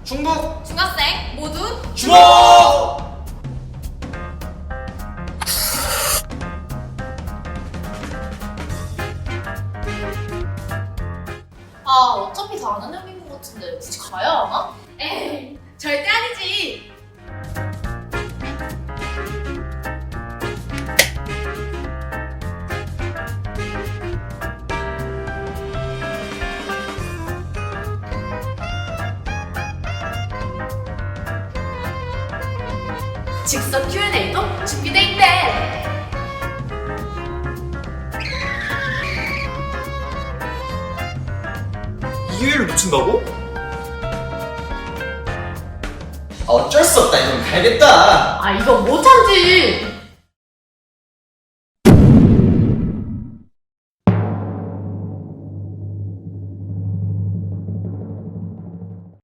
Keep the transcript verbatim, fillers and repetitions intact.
중북 중학생 모두 주목! 아 어차피 다 아는 내용인 것 같은데 굳이 가야 하나? 에이 절대 아니지. 즉석 큐 앤 에이도 준비돼 있대. 이 기회를 놓친다고? 어쩔 수 없다. 이건 가야겠다. 아 이거 못 참지.